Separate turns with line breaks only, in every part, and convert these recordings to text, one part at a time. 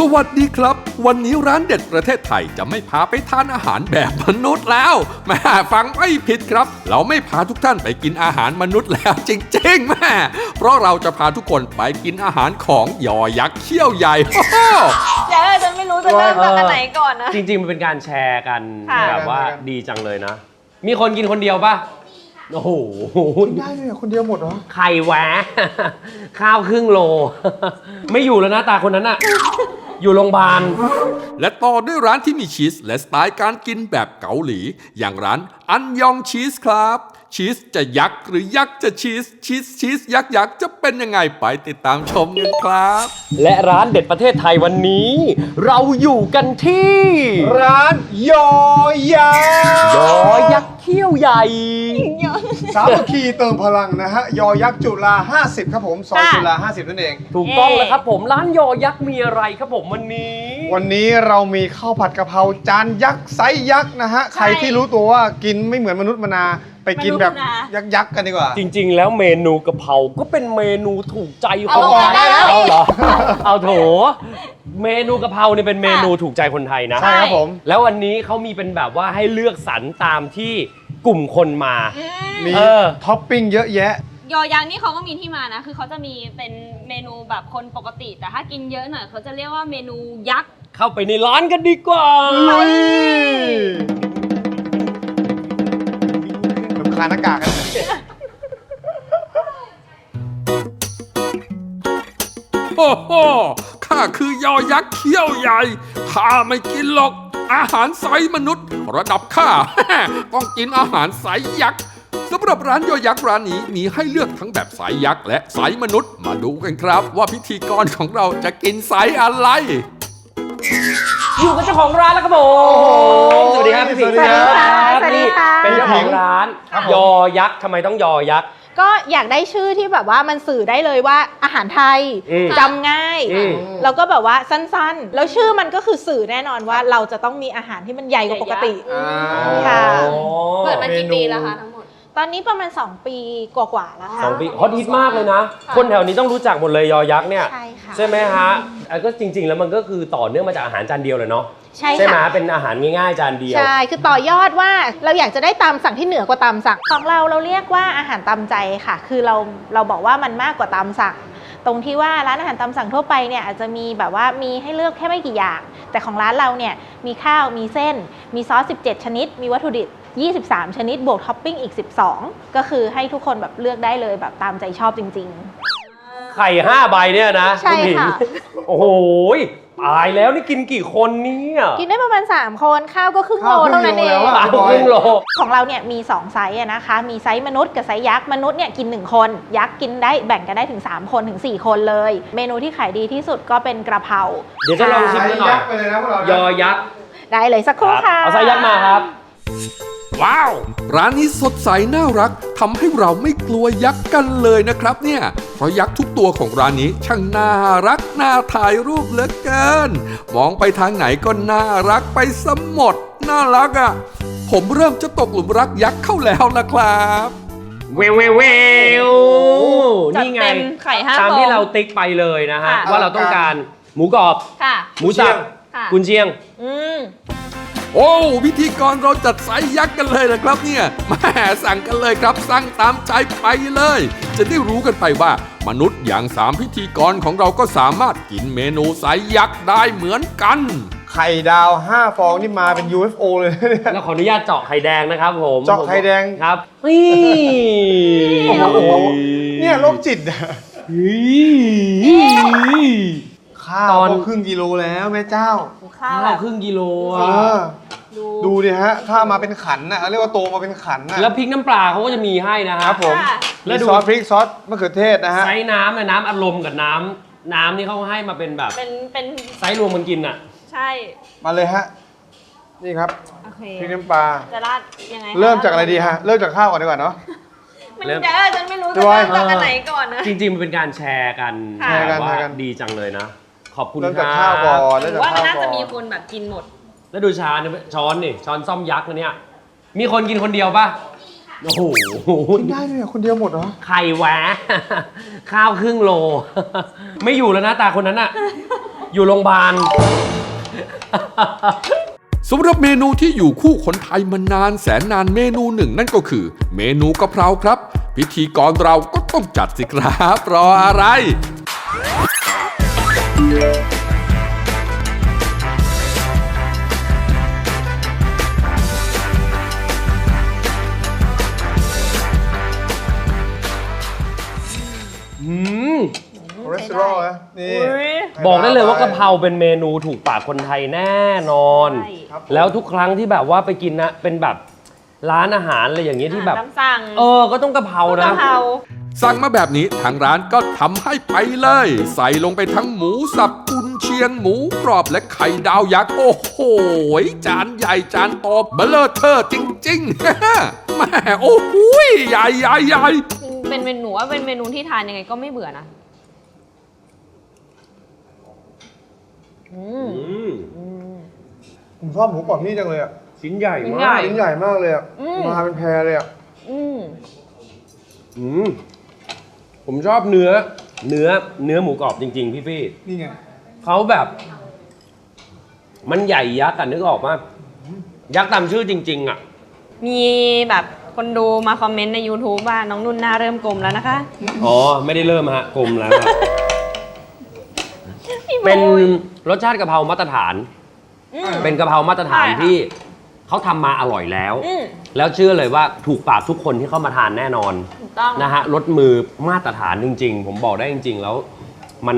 วัสดีครับวันนี้ร้านเด็ดประเทศไทยจะไม่พาไปทานอาหารแบบมนุษย์แล้วแม่ฟังไม่ผิดครับเราไม่พาทุกท่านไปกินอาหารมนุษย์แล้วจริงๆแม่เพราะเราจะพาทุกคนไปกินอาหารของยอยักษ์เขี้ยวใหญ่
เดี๋ยวฉันไม่รู้จะเริ่มจากอันไหนก่อนนะ
จริงๆมันเป็นการแชร์กัน
ค่ะ
แบบว่าดีจังเลยนะมีคนกินคนเดียวป่ะโอ้โห
ได้เลยคนเดียวหมดเหรอ
ไข่แหวะข้าวครึ่งโลไม่อยู่แล้วนะตาคนนั้นอะอยู่โรงพยาบาล
และต่อด้วยร้านที่มีชีสและสไตล์การกินแบบเกาหลีอย่างร้านอันยองชีสครับชีสจะยักษ์หรือยักษ์จะชีสยักษ์จะเป็นยังไงไปติดตามชมกันครับ
และร้านเด็ดประเทศไทยวันนี้ เราอยู่กันที่
ร้านยอยักษ์
ยอยักษ์เขี้ยวใหญ่
สามัคคีเติมพลังนะฮะยอยักษ์จุฬา50ครับผมซอยจุฬา50นั่นเอง
ถูกต้องแล้วครับผมร้านยอยักษ์มีอะไรครับผมวันนี้
เรามีข้าวผัดกะเพราจานยักษ์ไซส์ยักษ์นะฮะใครที่รู้ตัวว่ากินไม่เหมือนมนุษย์มนาไปกินแบบยักษ์กันดีกว่า
จริงๆแล้วเมนูกะเพราก็เป็นเมนูถูกใจคนไทย
เอา
เหรอเอาโถเมนูกะเพราเนี่ยเป็นเมนูถูกใจคนไทยนะ
ใช่ครับผม
แล้ววันนี้เขามีเป็นแบบว่าให้เลือกสรรตามที่กลุ่มคนมา
มีท็อปปิ้งเยอะแยะ
ยอยักษ์นี่เขาก็มีที่มานะคือเขาจะมีเป็นเมนูแบบคนปกติแต่ถ้ากินเยอะหน่อยเขาจะเรียกว่าเมนูยักษ์
เข้าไปในร้านกันดีกว่า
คาหน้ากากกัน
โอ้โหข้าคือยอยักษ์เขี้ยวใหญ่ข้าไม่กินหรอกอาหารไซส์มนุษย์ระดับข้า ต้องกินอาหารไซส์ยักษ์สำหรับร้านยอยักษ์ร้านนี้มีให้เลือกทั้งแบบไซส์ยักษ์และไซส์มนุษย์มาดูกันครับว่าพิธีกรของเราจะกินไซส์อะไร
อยู่กับเจ้าของร้านแล้วครับผมสวัสดีครับพี่ผิง
สวัสดีค่ะ
เป็นเจ้าของร้านยอยักษ์ทำไมต้องยอยักษ์
ก็อยากได้ชื่อที่แบบว่ามันสื่อได้เลยว่าอาหารไทยจำง่ายแล้วก็แบบว่าสั้นๆแล้วชื่อมันก็คือสื่อแน่นอนว่าเราจะต้องมีอาหารที่มันใหญ่กว่าปกติค่ะ
เปิดมากี่ปีแล้วคะทั้งหมด
ตอนนี้ประมาณ2 ปีกว่าๆแล้วค่ะ
2 ปีฮอตฮิตมากเลยนะคนแถวนี้ต้องรู้จักหมดเลยยอยักษ์เนี่ยใช่ไหมฮะก็จริงๆแล้วมันก็คือต่อเนื่องมาจากอาหารจานเดียวเลยเนาะใช่ไหมเป็นอาหารง่ายๆจานเดียว
ใช่คือต่อยอดว่าเราอยากจะได้ตามสั่งที่เหนือกว่าตามสั่งของเราเรียกว่าอาหารตามใจค่ะคือเราบอกว่ามันมากกว่าตามสั่งตรงที่ว่าร้านอาหารตามสั่งทั่วไปเนี่ยอาจจะมีแบบว่ามีให้เลือกแค่ไม่กี่อย่างแต่ของร้านเราเนี่ยมีข้าวมีเส้นมีซอส17ชนิดมีวัตถุดิบ23ชนิดบวกท็อปปิ้งอีก12ก็คือให้ทุกคนแบบเลือกได้เลยแบบตามใจชอบจริง
ๆไข่5 ใบเนี่ยนะ
ใช่ค่ะ
โอ้โหตายแล้วนี่กินกี่คนเนี่ย
กินได้ประมาณ3 คนข้าวก็ครึ่งโลเท่านั้นเอง
ครึ่งโล
ของเราเนี่ยมี2ไซส์นะคะมีไซส์มนุษย์กับไซส์ยักษ์มนุษย์เนี่ยกิน1 คนยักษ์กินได้แบ่งกันได้ถึง3 คนถึง4 คนเลยเมนูที่ขายดีที่สุดก็เป็นกระเพรา
เดี๋ยวจะลองชิมกันหน่อยยอยักษ์
ได้เลยสักครู่ค่ะ
เอาไซส์ยักษ์มาครับ
ว้าวร้านนี้สดใสน่ารักทำให้เราไม่กลัวยักษ์กันเลยนะครับเนี่ยเพราะยักษ์ทุกตัวของร้านนี้ช่างน่ารักน่าถ่ายรูปเหลือเกินมองไปทางไหนก็น่ารักไปซะหมดน่ารักอ่ะผมเริ่มจะตกหลุมรักยักษ์เข้าแล้วนะครับ
เววนี่ไง
ไข่5
ตามที่เราติ๊กไปเลยนะฮะว่าเราต้องการหมูกรอบหมูสับกุนเชียง
โอ้พิธีกรเราจัดไซส์ยักษ์กันเลยนะครับเนี่ยแม่สั่งกันเลยครับสั่งตามใจไปเลยจะได้รู้กันไปว่ามนุษย์อย่าง3พิธีกรของเราก็สามารถกินเมนูไซส์ยักษ์ได้เหมือนกัน
ไข่ดาว5 ฟองนี่มาเป็น UFO เลย
แล้วขออนุญาตเจาะไข่แดงนะครับผม
เจาะไข่แดง
ครับ
เนี่ยโรคจิตอ่ะข้าวก็ครึ่งกิโลแล้วแม่เจ้า
ข้าวครึ่งกิโล
ดูดิฮะข้าวมาเป็นขันนะเรียกว่าโตมาเป็นขันนะ
แล้วพริกน้ำปลาเขาก็จะมีให้นะครับ
ผมแล้วดูซอสพริกซอสมะเขือเทศนะฮะ
ไซส์น้ำน้ำอารมณ์กับน้ำนี่เขาให้มาเป็นแบบ
เป็น
ไซส์รวมมันกินอ่ะ
ใช่
มาเลยฮะนี่ครับพริกน้ำปลา
จะราดยังไง
เริ่มจากอะไรดีฮะเริ่มจากข้าวก่อนดีกว่าเนาะ
มันเดี๋ยวฉันไม่รู้จะเริ่มจากอันไหนก่อนนะ
จริงๆมันเป็นการแชร์กันดีจังเลยนะขอบคุณครับ
เริ่มจากข้าวก่อน
ว่ามันน่าจะมีคนแบบกินหมด
แล้วดูช้อนนี่ช้อนซ่อมยักษ์นะเนี่ยมีคนกินคนเดียวป่ะโอ้โห
ได้เลยคนเดียวหมดเหรอ
ไข่แหวะข้าวครึ่งโลไม่อยู่แล้วนะตาคนนั้นอะอยู่โรงพยาบาล
สำหรับเมนูที่อยู่คู่คนไทยมานานแสนนานเมนูหนึ่งนั่นก็คือ เมนูกะเพราครับ พิธีกรเราก็ต้องจัดสิครับรออะไร
คอเลสเตอรอลนะนี่
บอกได้เลยว่ากะเพราเป็นเมนูถูกปากคนไทยแน่นอน
ใช่
ครับผม
แล้วทุกครั้งที่แบบว่าไปกินนะเป็นแบบร้านอาหารอะไรอย่างเงี้ยที่แบบ
ตามสั่ง
ก็ต้องกะเพรานะ
กะเพรา
สั่งมาแบบนี้ทางร้านก็ทำให้ไปเลย ใส่ลงไปทั้งหมูสับกุนเชียงหมูกรอบและไข่ดาวยักษ์โอ้โหจานใหญ่จานโตเบลอเทอร์จริงๆ แม่โอ้โหใหญ่ใหญ่ใหญ่
เป็นเมนูว่าเป็นเมนูที่ทานยังไงก็ไม่เบื่อนะ
ผมชอบหมูกรอบที่นี่จังเลยอ่ะ
ชิ้นใหญ่
ชิ้น
มา
ใหญ่
ก
ชิ้นใหญ่มากเลยอ่ะ มาเป็นแพรเลยอ่ะ
ผมชอบเนื้อหมูกรอบจริงๆพี่
นี่ไง
เขาแบบ มันใหญ่ยักษ์อะนึกออกมายักษ์ตามชื่อจริงๆอะ
มีแบบคนดูมาคอมเมนต์ใน YouTube ว่าน้องนุ่นหน้าเริ่มกลมแล้วนะคะ
อ๋อไม่ได้เริ่มฮะกลมแล้วครับ
พี่โบ
เป็นรสชาติกะเพรามาตรฐาน เป็นกะเพรามาตรฐาน
ใช่ค่ะ
ที่เขาทำมาอร่อยแล้ว แล้วเชื่อเลยว่าถูกปากทุกคนที่เข้ามาทานแน่นอน
ถูกต้อง
นะฮะรสมือมาตรฐานจริง ๆ ผมบอกได้จริง ๆ แล้ว มัน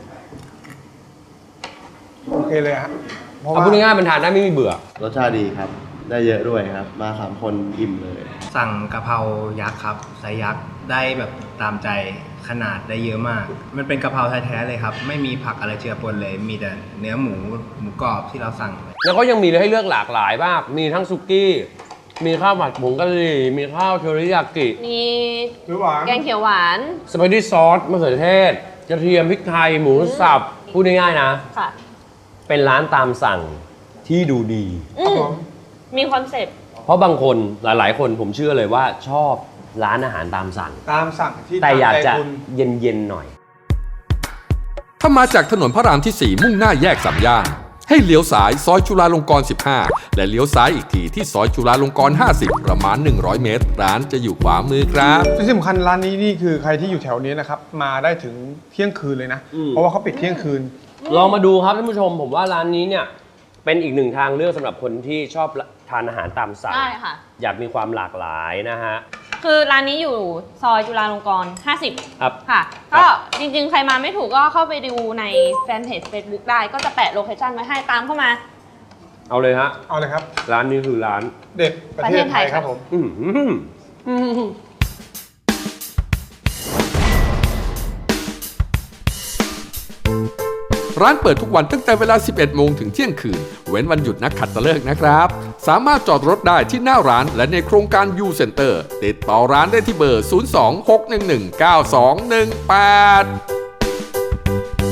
โอเคเลยฮะเพราะ
เอา
ว่า
พูดง่ายๆมันทานได้ไม่มีเบื่อ
รสชาติดีครับ ได้เยอะด้วยครับ มา3 คนอิ่มเลย
สั่งกะเพรายักษ์ครับไซส์ยักษ์ได้แบบตามใจขนาดได้เยอะมาก มันเป็นกะเพราแท้ๆเลยครับ ไม่มีผักอะไรเจือปนเลย มีแต่เนื้อหมูกรอบที่เราสั่ง
แล้วก็ยังมีให้เลือกหลากหลายมาก มีทั้งซุกี้ มีข้าวผัดผงกะหรี่ มีข้าวเทอริยากิ
มี
หรือหวาน
แกงเขียวหวาน
สปาเกตตี้ซอสมะเขือเทศ กระเทียมพริกไทย หมูสับ พูดง่ายๆนะ
ค่ะ
เป็นร้านตามสั่งที่ดูดี
มีคอนเซ็ปต์
เพราะบางคนหลายๆ คนผมเชื่อเลยว่าชอบร้านอาหารตามสั่ง
ตามสั่งที่
แต่อยากจะ
ตมใจคุณ
เย็นๆหน่อย
ถ้ามาจากถนนพระรามที่ 4 มุ่งหน้าแยกสามย่านให้เลี้ยวซ้ายซอยจุฬาลงกรณ์ 15 และเลี้ยวซ้ายอีกทีที่ซอยจุฬาลงกรณ์ 50 ประมาณ 100 เมตร ร้านจะอยู่ขวามือครับ
ที่สำคัญร้านนี้นี่คือใครที่อยู่แถวนี้นะครับ มาได้ถึงเที่ยงคืนเลยนะ เพราะว่าเขาปิดเที่ยงคืน
ลองมาดูครับท่านผู้ชม ผมว่าร้านนี้เนี่ยเป็นอีกหนึ่งทางเลือกสำหรับคนที่ชอบทานอาหารตามสั่ง
ได้ค่ะ
อยากมีความหลากหลายนะฮะ
คือร้านนี้อยู่ซอยจุฬาลงกรณ์ 50
ครับ
ค่ะ
ครับ
ก็จริงๆ ใครมาไม่ถูกก็เข้าไปดูในแฟนเพจ Facebook ได้ ก็จะแปะโลเคชั่นไว้ให้ตามเข้ามา
เอาเลยฮะ
เอาเลยครับ
ร้านนี้คือร้าน
เด็ดประเทศไทย
ประเทศไทย
ครับผม
อื้อหือ
ร้านเปิดทุกวันตั้งแต่เวลา 11 โมงถึงเที่ยงคืน เว้นวันหยุดนักขัตฤกษ์นะครับ สามารถจอดรถได้ที่หน้าร้านและในโครงการ U Center ติดต่อร้านได้ที่เบอร์ 02-611-9218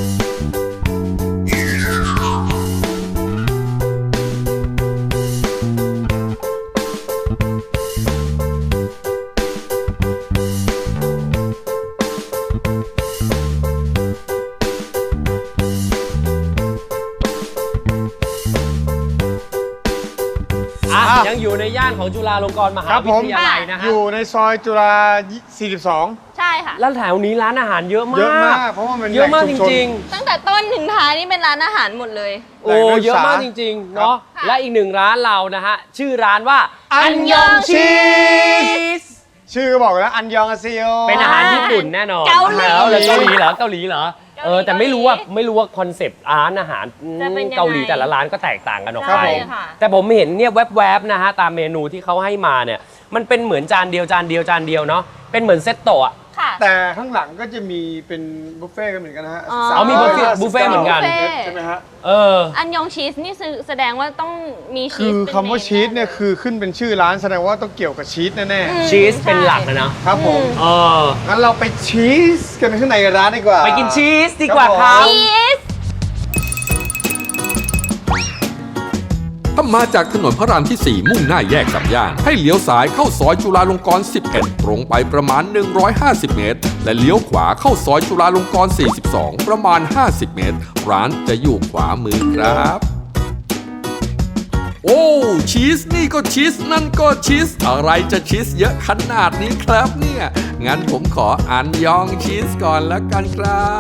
ยังอยู่ในย่านของจุฬาลงกรณ์มหา
ครับ
วิ
ผม
ทยาลัยนะฮะ
อยู่ในซอยจุฬา 42
ใช่ค่ะ
แล้วแถวนี้ร้านอาหารเยอะมาก
เยอะมาก เพราะว่ามัน
เยอะมาก
แห
จ
ล่ชุชน
ริง
ตั้งแต่ต้นถึงท้ายนี่เป็นร้านอาหารหมดเลย
ๆ โอ้เยอะมากจริงๆเนาะ
ครับ
และอีกหนึ่งร้านเรานะฮะ ชื่อร้านว่า
อันยองชีส
ส
ชื่อก็บอกแล้วอันยองอาเซียว
เป็นอาหารญี่ปุ่นแน่นอน
เกาหลี
เกาหลีเหรอเกาหลีเหรอแต่ไม่รู้ว่าคอนเซปต์ร้านอาหาร
จะเป็นยังไง
เกาหลีแต่ละร้านก็แตกต่างกันออก
ใช่
ไป
ค่ะ
แต่ผมเห็นเนี่ยแวบๆนะฮะตามเมนูที่เขาให้มาเนี่ยมันเป็นเหมือนจานเดียวเนาะเป็นเหมือนเซตโตะอะ
ค่ะ
แต่ข้างหลังก็จะมีเป็นบุฟเฟ่ต์กันเหมือนกันนะฮะ
อ๋อ
อ๋อมีบุฟเฟ่ต์เหมือนกัน
บุฟเฟ่ต์
ใช่ไหมฮะ
เออ
อันยองชีสนี่แสดงว่าต้องมีชี
คื
ส
อ
เป็น
คำว่า
เม
ชีสเนี่ยคือขึ้นเป็นชื่อร้านแสดงว่าต้องเกี่ยวกับชีสแน่
ชีสเป็นหลักนะเนาะ
ๆครับผม
เออ
งั้นเราไปชีสกันข้างในร้านดีกว่า
ไปกินชีสดีกว่าค
ครั
รับ
บผม
ชีส
ถ้ามาจากถนนพระรามที่ 4 มุ่งหน้าแยกสามย่านให้เลี้ยวซ้ายเข้าซอยจุฬาลงกรณ์ 11 ตรงไปประมาณ 150 เมตร และเลี้ยวขวาเข้าซอยจุฬาลงกรณ์ 42 ประมาณ 50 เมตร ร้านจะอยู่ขวามือครับ โอ้ชีสนี่ก็ชีสนั่นก็ชีสอะไรจะชีสเยอะขนาดนี้ครับเนี่ยงั้นผมขออันยองชีสก่อนแล้วกันครับ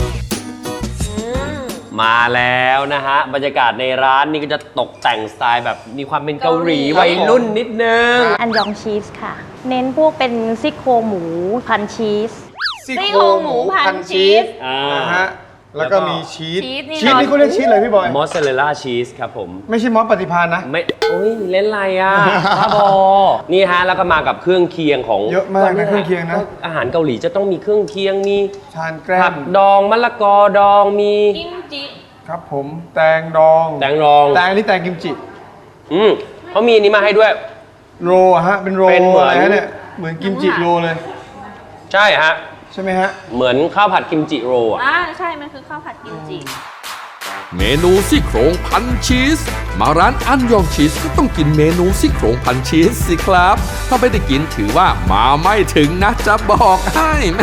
มาแล้วนะฮะบรรยากาศในร้านนี่ก็จะตกแต่งสไตล์แบบมีความเป็นเกาหลีวัยรุ่นนิดนึง
อันยองชีสค่ะ เน้นพวกเป็นซี่โครงหมูพันชีส
ซี่โครงหมูพันชีส
นะฮะแล้วก็มีชีส
ชีสนี่
ชีสนี่เขาเรียกชีสอะไรพี่บอย
มอสซาเรลล่าชีสครับผม
ไม่ใช่มอสปฏิภาณนะ
ไม่โอ้ยเล่นอะไรอ่ะ บ้าบอนี่ฮะแล้วก็มากับเครื่องเคียงของ
เยอะมากนะเครื่องเคียงนะ
อาหารเกาหลีจะต้องมีเครื่องเคียงมี
ทานแกล้
ผั
ม
กดองมะละกอดองมี
กิมจิ
ครับผมแตงดอง
แตงดอง
แตงนี่แตงกิมจิ
เขามีอันนี้มาให้ด้วย
โรอะฮะเป็นโร
เป็นเหมือน
อะไรฮะเนี่ยเหมือนกิมจิโรเลย
ใช่ฮะ
ใช่ไหมฮะ
เหมือนข้าวผัดกิมจิโรอ่ะ
ใช่ มันคือข้าวผัดกิมจิ
เมนูซี่โครงพันชีสมาร้านอันยองชีสก็ต้องกินเมนูซี่โครงพันชีสสิครับถ้าไม่ได้กินถือว่ามาไม่ถึงนะจะบอกให้แม่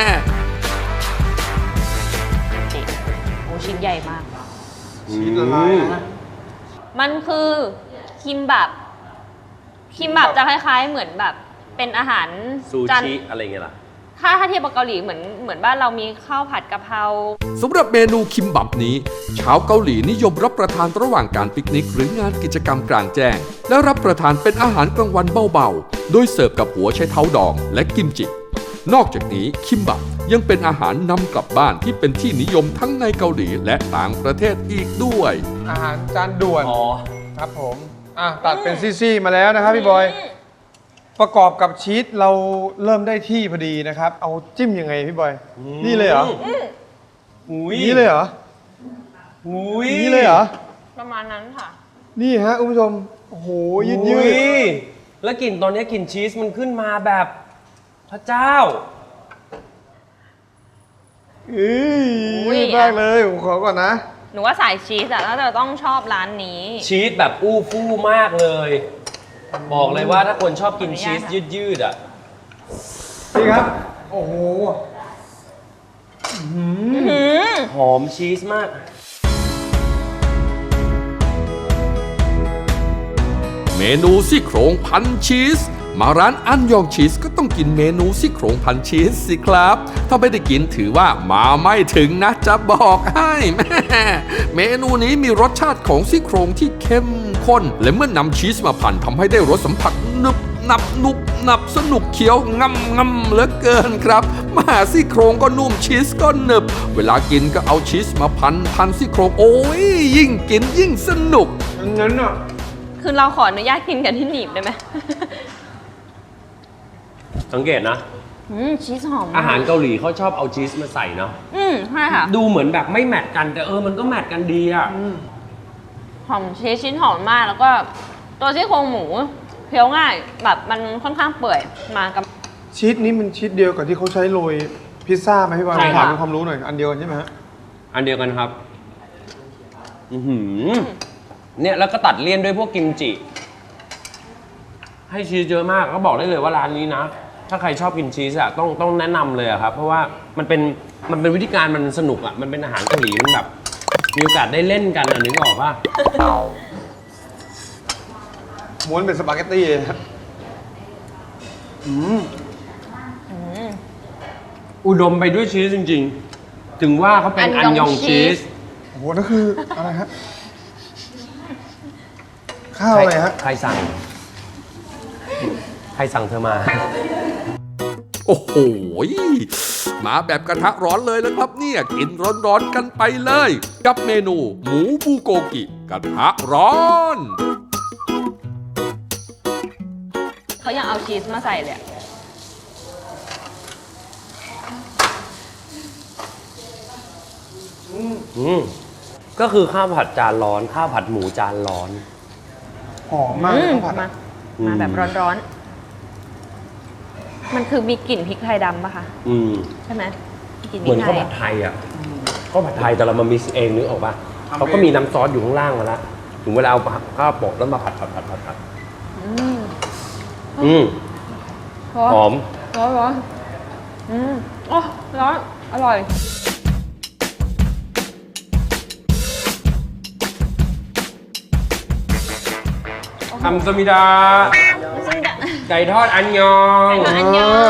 โอ้ชิ้นใหญ่มาก
ชีสละลายนะ
มันคือคิมบับ คิมบับจะคล้ายๆ เหมือนแบบเป็นอาหาร
ซู
จาน
ชิอะไรเงี้ยล่ะ
ถ้าเทียบกับเกาหลีเหมือนบ้านเรามีข้าวผัดกะเพรา
สำหรับเมนูคิมบับนี้ชาวเกาหลีนิยมรับประทานระหว่างการปิกนิกหรืองานกิจกรรมกลางแจ้ง และรับประทานเป็นอาหารกลางวันเบาๆ โดยเสิร์ฟกับหัวไชเท้าดองและกิมจิ นอกจากนี้คิมบับยังเป็นอาหารนำกลับบ้านที่เป็นที่นิยมทั้งในเกาหลีและต่างประเทศอีกด้วย
อาหารจานด่วน
อ๋อ
ครับผมตัดเป็นซี่ๆมาแล้วนะครับพี่บอยประกอบกับชีสเราเริ่มได้ที่พอดีนะครับ เอาจิ้มยังไงพี่บอย นี่เลยเหรอ
อุ้ย
นี่เลยเหรอ
อุ้ย
นี่เลยเหรอ
ประมาณนั้นค่ะ
นี่ฮะคุณผู้ชมโอ้โหยืด
อุ้ยแล้วกลิ่นตอนนี้กลิ่นชีสมันขึ้นมาแบบพระเจ้า
อุ้ย
ยืดมากเลยผมขอก่อนนะ
หนูว่าสายชีสอะน่าจะต้องชอบร้านนี้
ชีสแบบอู้ฟู่มากเลย บอกเลยว่าถ้าคนชอบกินชีสยืดๆอ่ะ
นี่ครับ โอ้โห
หอมชีสมาก
เมนูซี่โครงพันชีสมาร้านอันยองชีสก็ต้องกินเมนูซี่โครงพันชีสสิครับถ้าไม่ได้กินถือว่ามาไม่ถึงนะจะบอกให้แม่เมนูนี้มีรสชาติของซี่โครงที่เข้มข้นและเมื่อนำชีสมาพันทำให้ได้รสสัมผัสหนึบหนับหนุบหนับสนุกเคี้ยวงำเหลือเกินครับมาซี่โครงก็นุ่มชีสก็หนึบเวลากินก็เอาชีสมาพันซี่โครงโอ้ยยิ่งกินยิ่งสนุก
งั้นอ่ะ
คือเราขออนุญาตกินกันที่หนีบได้ไหม
สังเกตนะ
ชีสหอมมก
อาหารเกาหลีเขาชอบเอาชีสมาใส่เนาะ
ใช่ค่ะ
ดูเหมือนแบบไม่แมทกันแต่มันก็แมทกันดีอ่ะ
หอมชีสชิ้นหอมมากแล้วก็ตัวซี่โครงหมูเคี้ยวง่ายแบบมันค่อนข้างเปื่อยมากับ
ชีสนี้มันชีสเดียวกับที่เขาใช้โรยพิซซ่าไหมพี่บอย
ใช่
ถาม
ค่ะ
เป็นความรู้หน่อย อันเดียวกันใช่ไหมฮะ
อันเดียวกันครับ เนี่ยแล้วก็ตัดเลี่ยนด้วยพวกกิมจิ ให้ชีสเยอะมากก็บอกได้เลยว่าร้านนี้นะ ถ้าใครชอบกินชีสอะต้องแนะนำเลยอะครับ เพราะว่ามันเป็นวิธีการมันสนุกอะมันเป็นอาหารเกาหลีมันแบบ มีโอกาสได้เล่นกันอะนึกออกป่ะ
ม้วนเป็นสปาเกตตี้เลยครับ
อุดมไปด้วยชีสจริงๆ ถึงว่าเขาเป็นอันยองชีส
โอ้โหนั่นคืออะไรฮะ ข้าวอะไรฮะ
ใครสั่งเธอมา
โอ้โห มาแบบกระทะร้อนเลยแล้วครับเนี่ย กินร้อนๆกันไปเลย กับเมนูหมูบูโกกิกระทะร้อน
เขายังเอาชีสมาใส่เลยอะ
ก็คือข้าวผัดจานร้อน ข้าวผัดหมูจานร้อน
หอมมากข้าวผัด
มา
อะ
มาแบบร้อนๆ มันคือมีกลิ่นพริกไทยดำปะคะ ใช่ไหมกลิ่นพ
เหมื
ริ
อน
กไท
ข้าวย ผัดไทยอ่ะข้าวผัดไทยแต่เรามามิกซ์เองนึกออกป่ะเขาก็มีน้ำซอสอยู่ข้างล่างมาแล้วถึงเวลาเอาข้าวโปะแล้วมาผัด หอม
ร้อนโอ้ร้อนอร่อย
คำสมิดา ไก่ทอดอันยอง
อันยอง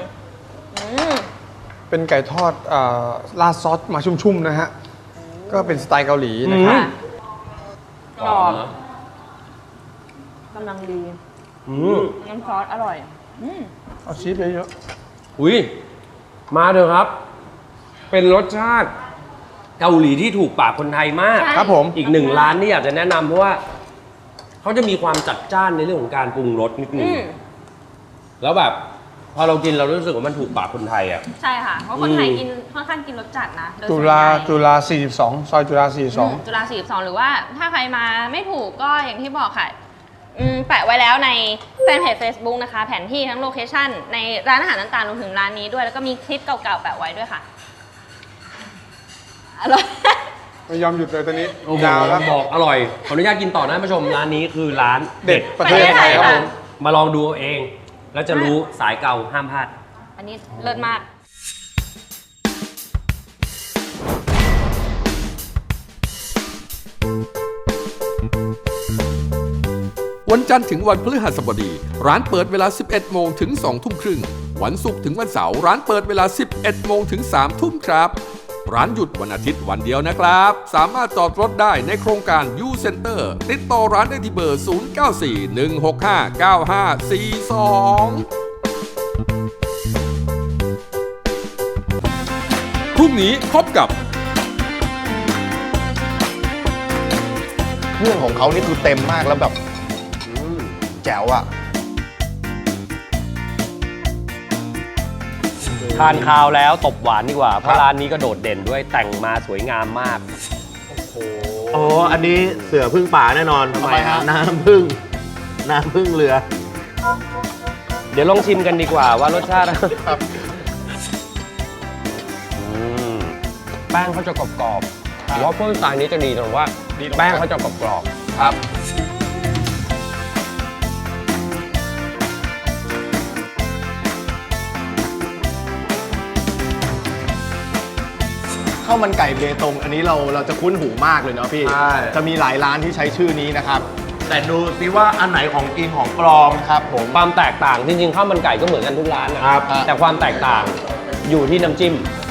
เป็นไก่ทอดราดซอสมาชุ่มๆนะฮะ ก็เป็นสไตล์เกาหลีนะครับ
กรอบกำลังดีน้ำซอสอร่อย
เอาชีสไปเยอะ
อุ้ยมาเถอะครับ เป็นรสชาติเกาหลีที่ถูกปากคนไทยมาก
ใช่
ครับผม
อีกหนึ่งร้านที่อยากจะแนะนำเพราะว่าเขาจะมีความจัดจ้านในเรื่องของการปรุงรสนิดนึงแล้วแบบพอเรากินเรารู้สึกว่ามันถูกปากคนไทยอ่ะ
ใช่ค่ะ เพราะคนไทยกินค่อนข้างกินรสจัดนะโดย
จุ
ส่วน
ฬา
ใหญ่
จุฬา42 ซอยจุฬา
จุฬา42 หรือว่าถ้าใครมาไม่ถูกก็อย่างที่บอกค่ะแปะไว้แล้วในแฟนเพจ Facebook นะคะ แผนที่ทั้งโลเคชั่นในร้านอาหารต่างๆรวมถึงร้านนี้ด้วย แล้วก็มีคลิปเก่าๆแปะไว้ด้วยค่ะ อร่อย
42 ไม่ยอมหยุดเลยตอนนี้
โอ้โห
ยาวแล้ว
บอกอร่อย ขออนุญาตกินต่อนะท่านผู้ชม ร้านนี้คือร้าน
เด็ดประเทศไทยครับผม
มาลองดูเอาเอง แล้วจะรู้สายเก่าห้ามพลาด
อันนี้เลิศมาก
วันจันทร์ถึงวันพฤหัสบดี ร้านเปิดเวลา 11 โมงถึง 2 ทุ่มครึ่ง วันศุกร์ถึงวันเสาร์ร้านเปิดเวลา 11 โมงถึง 3 ทุ่มครับ ร้านหยุดวันอาทิตย์วันเดียวนะครับ สามารถจอดรถได้ในโครงการ U Center ติดต่อร้านได้ที่เบอร์ 0941659542 พรุ่งนี้พบกับ
เครื่องของเขานี่คือเต็มมากแล้วแบบแจ๋วอ่ะ
ทานข้าวแล้วตบหวานดีกว่า เพราะร้านนี้ก็โดดเด่นด้วยแต่งมาสวยงามมาก
อ๋อ อันนี้เสือพึ่งป่าแน่นอน
ทำไมฮะ
น้ำพึ่งเรือ
เดี๋ยวลองชิมกันดีกว่าว่ารสชาติแป้งเขาจะกรอบๆวอฟเฟิลสไตล์นี้จะดีตรงว่าแป้งเขาจะกรอบๆครับ
ข้าวมันไก่เบตง อันนี้เราจะคุ้นหูมากเลยเนาะพี่
ใช่
จะมีหลายร้านที่ใช้ชื่อนี้นะครับ
แต่ดูสิว่าอันไหนของจริงของปลอม
ครับผม
ความแตกต่างจริงๆข้าวมันไก่ก็เหมือนกันทุกร้านนะครับ แต่ความแตกต่างอยู่ที่น้ำจิ้ม